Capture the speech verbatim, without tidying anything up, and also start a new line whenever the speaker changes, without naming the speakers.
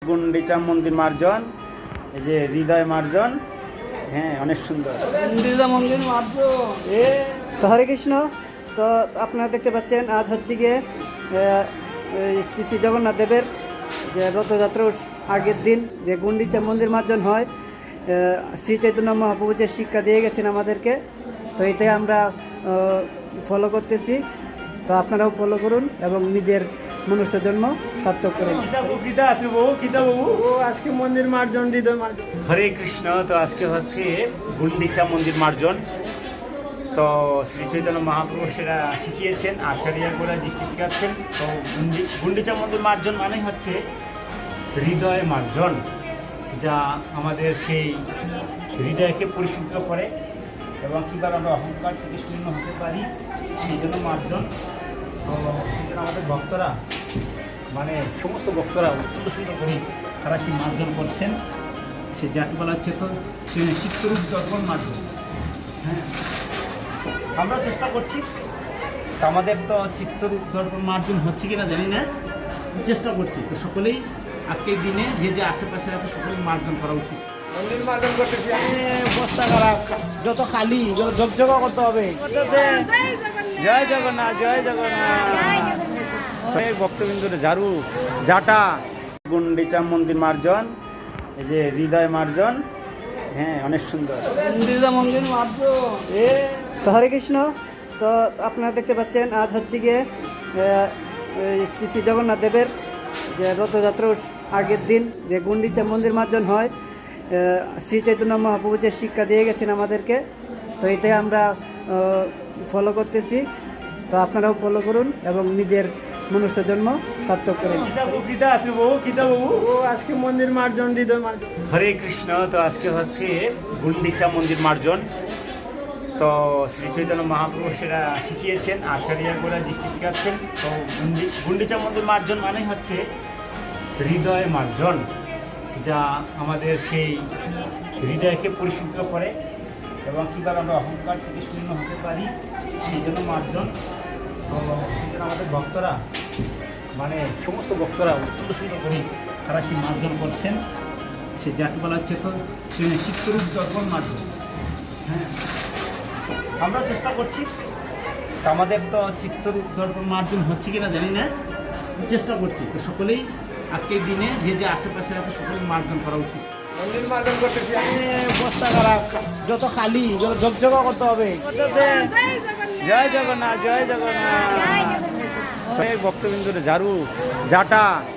গুন্ডিচা মন্দির মার্জন, এই যে হৃদয় মার্জন, হ্যাঁ অনেক সুন্দর
গুন্ডিচা মন্দির মার্জন।
এ
তো হরে কৃষ্ণ। তো আপনারা দেখতে পাচ্ছেন আজ হচ্ছে গিয়ে শ্রী শ্রী জগন্নাথ দেবের যে রথযাত্রার আগের দিন যে গুন্ডিচা মন্দির মার্জন হয়। শ্রী চৈতন্য মহাপ্রভু যে শিক্ষা দিয়ে গেছেন আমাদেরকে, তো এটাই আমরা ফলো করতেছি। তো আপনারাও ফলো করুন এবং নিজের মনুষ্য জন্ম সার্থক করুন।
আজকে মন্দির মার্জন, হৃদয় মার্জন। হরে কৃষ্ণ। তো আজকে হচ্ছে গুন্ডিচা মন্দির মার্জন। তো শ্রী চৈতন্য মহাপ্রভু সেটা শিখিয়েছেন, আচার্যরা জিজ্ঞেস শিখাচ্ছেন। তো গুন্ডি গুন্ডিচা মন্দির মার্জন মানে হচ্ছে হৃদয় মার্জন, যা আমাদের সেই হৃদয়কে পরিশুদ্ধ করে এবং কীভাবে আমরা অহংকার থেকে শূন্য হতে পারি, সেই জন্য মার্জন। তো সেই জন্য আমাদের ভক্তরা, মানে সমস্ত ভক্তরা অত্যন্ত সুন্দর করে তারা সেই মার্জন করছেন। সে যাকে বলা হচ্ছে তো সে চিত্তরূপ দর্পণ মার্জন। হ্যাঁ, আমরা চেষ্টা করছি। তো আমাদের তো চিত্তরূপ দর্পণ মার্জন হচ্ছে কিনা জানি না, চেষ্টা করছি। তো সকলেই আজকের দিনে যে যে আশেপাশে আছে সকলেই মার্জন করা উচিত।
মন্দির মার্জন করতেছি, বস্তা খারাপ, যত খালি যত ঝকঝকা করতে হবে।
জয় জগন্নাথ, জয় জগন্নাথ। ভক্তবিন্দুর ঝাড়ু জাটা, গুন্ডিচা মন্দির মার্জন, এই যে হৃদয় মার্জন, হ্যাঁ অনেক সুন্দর
গুন্ডিচা মন্দির মার্জন।
এ
তো হরে কৃষ্ণ। তো আপনারা দেখতে পাচ্ছেন আজ হচ্ছে গিয়ে শ্রী শ্রী জগন্নাথ দেবের যে রথযাত্রার আগের দিন যে গুন্ডিচা মন্দির মার্জন হয়। শ্রী চৈতন্য মহাপ্রভু যে শিক্ষা দিয়ে গেছেন আমাদেরকে, তো এটাই আমরা ফলো করতেছি। তো আপনারাও ফলো করুন এবং নিজের মনুষ্য জন্ম সার্থক করুন।
আজকে মন্দির মার্জন, হৃদয় মার্জন। হরে কৃষ্ণ। তো আজকে হচ্ছে গুন্ডিচা মন্দির মার্জন। তো শ্রী চৈতন্য মহাপ্রভু সেটা শিখিয়েছেন, আচার্যরা জিজ্ঞেস শিখাচ্ছেন। তো গুন্ডি গুন্ডিচা মন্দির মার্জন মানে হচ্ছে হৃদয় মার্জন, যা আমাদের সেই হৃদয়কে পরিশুদ্ধ করে এবং কীভাবে আমরা অহংকার থেকে শূন্য হতে পারি, সেই জন্য মার্জন। তো সেই জন্য আমাদের ভক্তরা, মানে সমস্ত ভক্তরা অত্যন্ত সুন্দর করে তারা সেই মার্জন করছেন। সে যাকে বলা হচ্ছে তো সে চিত্তরূপ দর্পণ মার্জন। হ্যাঁ, আমরা চেষ্টা করছি। তো আমাদের তো চিত্তরূপ দর্পণ মার্জন হচ্ছে কিনা জানি না, চেষ্টা করছি। তো সকলেই আজকের দিনে যে যে আশেপাশে আছে সকলেই মার্জন করা উচিত।
মন্দির মার্জন করতেছি, বস্তা খারাপ, যত খালি যত ঝকঝকা করতে হবে।
জয় জগন্নাথ, জয় জগন্নাথ। ভক্তবিন্দুর ঝাড়ু জাটা